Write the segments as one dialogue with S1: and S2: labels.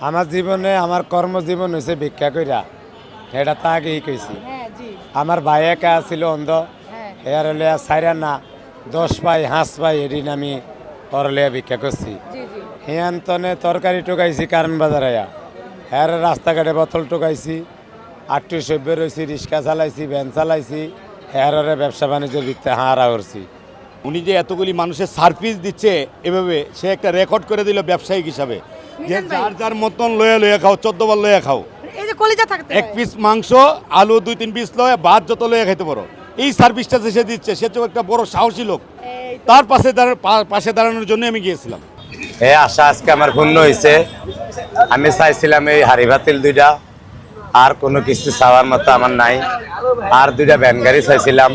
S1: আমার জীবনে আমার কর্মজীবন হয়েছে ভিক্ষা কইরা, এটা তা আগেই কইছি। আমার ভাই একা ছিল অন্ধ, এর লিয়া সাইরা না 10 পাই 5 পাই এদিন আমি পরলিয়া ভিক্ষা করছি। হিয়ান্তনে তরকারি টোকাইছি কারণ বাজার আয়া, হ্যাঁ রাস্তাঘাটে বোতল টোকাইছি, আটটি সভ্য রয়েছি, রিক্সা চালাইছি, ভ্যান চালাইছি, হ্যাঁ ব্যবসা বাণিজ্যের ভিত্তে হারা করছি।
S2: উনি যে এতগুলি মানুষের সার্ভিস দিচ্ছে এভাবে, সে একটা রেকর্ড করে দিল ব্যবসায়িক হিসাবে, যে যার যার মতন লয়ে খাও, 14 বার লয়ে খাও,
S3: এই যে কলিজা থাকতে
S2: এক পিস মাংস, আলু 2-3 পিস লয়ে, ভাত যত লয়ে খাইতে পারো, এই সার্ভিসটা যে সে দিচ্ছে, সে তো একটা বড় সাহসী লোক। তার পাশে দাঁড়ানোর জন্য আমি গিয়েছিলাম।
S1: এই আশা আজকে আমার পূর্ণ হয়েছে। আমি চাইছিলাম এই হাড়ি ভাতিল দুইটা, আর কোনো কিছু চাওয়ার মতো আমার নাই। আর দুইটা ভ্যান গাড়ি চাইছিলাম,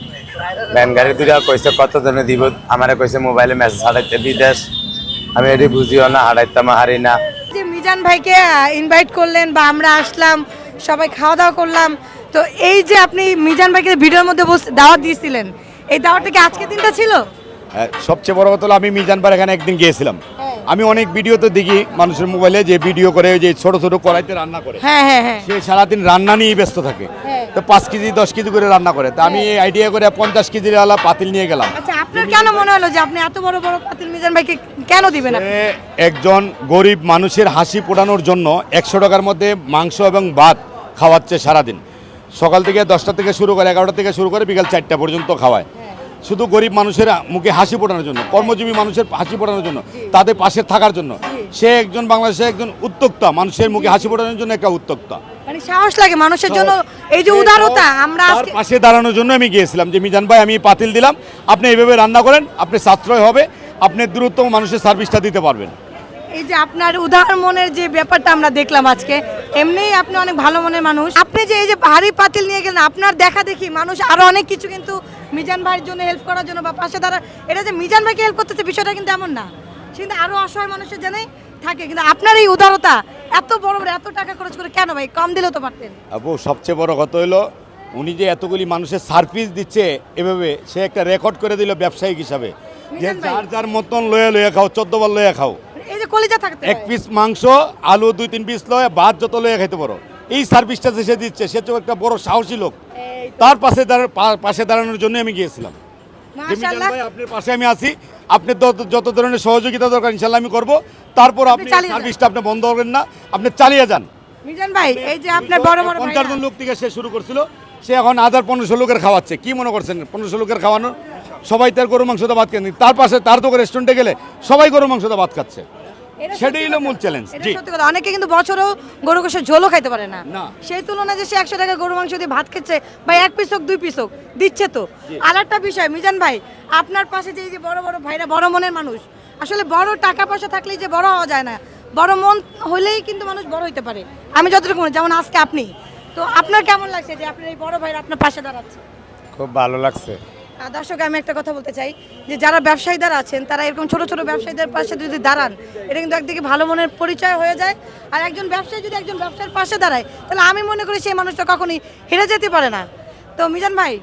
S1: ভ্যান গাড়ি দুইটা কইছে কত জনে দিব, আমারে কইছে মোবাইলে মেসেজ হারাইতে বিদেশ। আমি এটি বুঝিও না, হারাইতাম হারি না।
S3: যে মিজান ভাইকে ইনভাইট করলেন বা আমরা আসলাম, সবাই খাওয়া দাওয়া করলাম, তো এই যে আপনি মিজান ভাইকে ভিডিওর মধ্যে দাওয়াত দিয়েছিলেন, এই দাওয়াতটা কি আজকে দিনটা ছিল?
S2: সবচেয়ে বড় কথা হলো আমি মিজান ভাইয়ের এখানে একদিন গিয়েছিলাম। আমি অনেক ভিডিও তো দেখি মানুষের মোবাইলে, যে ভিডিও করে যে ছোট ছোট কড়াইতে রান্না করে, সে সারাদিন রান্না নিয়েই ব্যস্ত থাকে। তো 5 কেজি 10 কেজি করে রান্না করে, তো আমি এই আইডিয়া করে 50 কেজির ওয়ালা পাতিল নিয়ে গেলাম।
S3: আচ্ছা, আপনার কেন মনে হলো যে আপনি এত বড় বড় পাতিল মিজান ভাইকে কেন দিবেন?
S2: একজন গরিব মানুষের হাসি ফোটানোর জন্য 100 টাকার মধ্যে মাংস এবং ভাত খাওয়াচ্ছে সারাদিন। সকাল থেকে 10টা থেকে শুরু করে, 11টা থেকে শুরু করে বিকাল 4টা পর্যন্ত খাওয়ায়, শুধু গরিব মানুষের মুখে হাসি ফোটানোর জন্য, কর্মজীবী মানুষের হাসি ফোটানোর জন্য, তাদের পাশে থাকার জন্য। সে একজন বাংলাদেশের একজন উদ্যোক্তা, মানুষের মুখে হাসি ফোটানোর জন্য একটা উদ্যোক্তা।
S3: মানে সাহস লাগে মানুষের জন্য, এই যে উদারতা। আমরা
S2: তার পাশে দাঁড়ানোর জন্য আমি গিয়েছিলাম, যে মিজান ভাই আমি পাতিল দিলাম, আপনি এইভাবে রান্না করেন, আপনি সাশ্রয় হবে, আপনি দ্রুত মানুষের সার্ভিসটা দিতে পারবেন।
S3: এই যে আপনার উদার মনের যে ব্যাপারটা আমরা দেখলাম আজকে, এমনিই আপনি অনেক ভালো মনের মানুষ। আপনি যে এই যে ভারী পাতিল নিয়ে গেলেন, আপনার দেখা দেখি মানুষ আরো অনেক কিছু কিন্তু মিজান ভাইয়ের জন্য হেল্প করার জন্য বা পাশে দাঁড়া, এটা যে মিজান ভাইকে হেল্প করতেছে বিষয়টা কিন্তু এমন না, কিন্তু আরো অসহায় মানুষের জন্যই থাকে। কিন্তু আপনার এই উদারতা, এত বড় বড় এত টাকা খরচ করে কেন ভাই? কম দিলেও তো পারতেন।
S2: আপু, সবচেয়ে বড় কথা হলো উনি যে এতগুলি মানুষের সার্ভিস দিচ্ছে এভাবে, সে একটা রেকর্ড করে দিল ব্যবসায়িক হিসাবে, যে যার যার মতন লয়ে খাও, 14 বার লয়ে খাও,
S3: এই যে কলিজা থাকতে
S2: এক পিস মাংস, আলু 2-3 পিস লয়ে, ভাত যত লয়ে খাইতে পারো, এই সার্ভিসটা যে সে দিচ্ছে, সে তো একটা বড় সাহসী লোক। তার পাশে দাঁড়ানোর জন্য আমি গিয়েছিলাম।
S3: মাশাআল্লাহ,
S2: আপনার পাশে আমি আছি, আপনি যত ধরনের সহযোগিতা দরকার ইনশাআল্লাহ আমি করব। তারপর আপনি সার্ভিসটা আপনি বন্ধ করবেন না, আপনি চালিয়ে যান।
S3: মিজান ভাই, এই যে আপনার বড় বড়
S2: 50 জন লোক থেকে সে শুরু করছিল, সে এখন 1500 লোকের খাওয়াচ্ছে। কি মনে করছেন 1500 লোকের খাওয়ানো? সবাই তার গরু মাংস দিয়ে ভাত খাচ্ছে। তার পাশে তার তো রেস্টুরেন্টে গেলে সবাই গরু মাংস দিয়ে ভাত খাচ্ছে। সেটাই হলো মূল চ্যালেঞ্জ। জি,
S3: সত্যি কথা। অনেকে কিন্তু বছরেও গরু গোশত ঝোলও খাইতে পারে না, সেই তুলনায় যে সে 100 টাকা গরু মাংস দিয়ে ভাত খেচ্ছে, ভাই 1 পিস হোক 2 পিস হোক দিচ্ছে তো। আর একটা বিষয় মিজান ভাই, আপনার পাশে যে এই যে বড় বড় ভাইরা, বড় মনের মানুষ, আসলে বড় টাকা পয়সা থাকলেই যে বড় হওয়া যায় না, বড় মন হলেই কিন্তু মানুষ বড় হইতে পারে। আমি যতটুকু মনে, যেমন আজকে আপনি, তো আপনার কেমন লাগছে যে আপনার এই বড় ভাইরা আপনার পাশে দাঁড়াচ্ছে?
S1: খুব ভালো লাগছে।
S3: দর্শক, আমি একটা কথা বলতে চাই, যে যারা ব্যবসায়ীরা আছেন, তারা এরকম ছোট ছোট ব্যবসায়ীদের পাশে যদি দাঁড়ান, এটা কিন্তু একদিকে ভালো মনের পরিচয় হয়ে যায়। আর একজন ব্যবসায়ী যদি একজন ব্যবসার পাশে দাঁড়ায়, তাহলে আমি মনে করি সেই মানুষটা কখনোই হেরে যেতে পারে না। তো মিজান ভাই,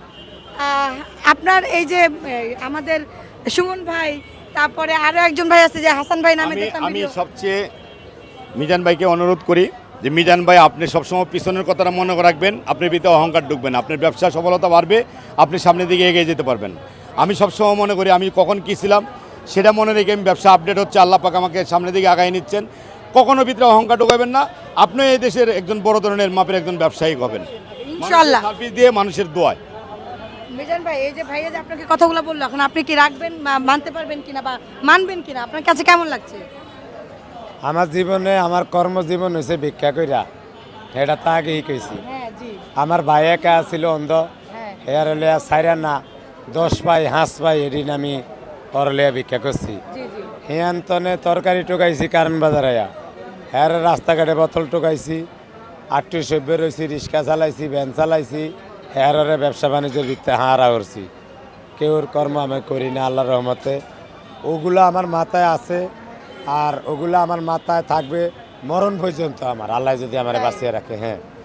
S3: আপনার এই যে আমাদের সুমন ভাই, তারপরে আরো একজন ভাই আছে যে হাসান ভাই নামে,
S2: আমি সবচেয়ে মিজান ভাইকে অনুরোধ করি যে মিজান ভাই, আপনি সবসময় পিছনের কথাটা মনে রাখবেন, আপনার ভিতরে অহংকার ঢুকবেন, আপনার ব্যবসা সফলতা বাড়বে, আপনি সামনের দিকে এগিয়ে যেতে পারবেন। আমি সবসময় মনে করি আমি কখন কী ছিলাম সেটা মনে রেখে আমি ব্যবসা আপডেট হচ্ছে, আল্লাহ পাক আমাকে সামনের দিকে আগায় নিচ্ছেন। কখনো ভিতরে অহংকার ঢুকাবেন না, আপনি এই দেশের একজন বড় ধরনের মাপের একজন ব্যবসায়ী হবেন ইনশাআল্লাহ, সার্ভিস দিয়ে মানুষের দোয়ায়।
S3: মিজান ভাই, এই যে ভাইয়া যে আপনাকে কথাগুলো বললো, এখন আপনি কি রাখবেন বা মানতে পারবেন কিনা বা মানবেন কিনা, আপনার কাছে কেমন লাগছে?
S1: আমার জীবনে আমার কর্মজীবন হয়েছে ভিক্ষা কইরা, এটা তা আগেই কইছি। আমার ভাই একা ছিল অন্ধ, এর লিয়া সাইরা না 10 পাই 5 পাই এদিন আমি পরলিয়া ভিক্ষা করছি। হিয়ান্তনে তরকারি টোকাইছি কারণ বাজার আয়া, হ্যাঁ রাস্তাঘাটে বোতল টোকাইছি, আটটি সভ্য রয়েছি, রিক্সা চালাইছি, ভ্যান চালাইছি, হ্যাঁ ব্যবসা বাণিজ্যের ভিত্তে হারা করছি। কেউর কর্ম আমি করি না, আল্লাহর রহমতে। ওগুলো আমার মাথায় আছে, আর ওগুলো আমার মাথায় থাকবে মরণ পর্যন্ত, আমার আল্লাহ যদি আমার বাঁচিয়ে রাখে। হ্যাঁ।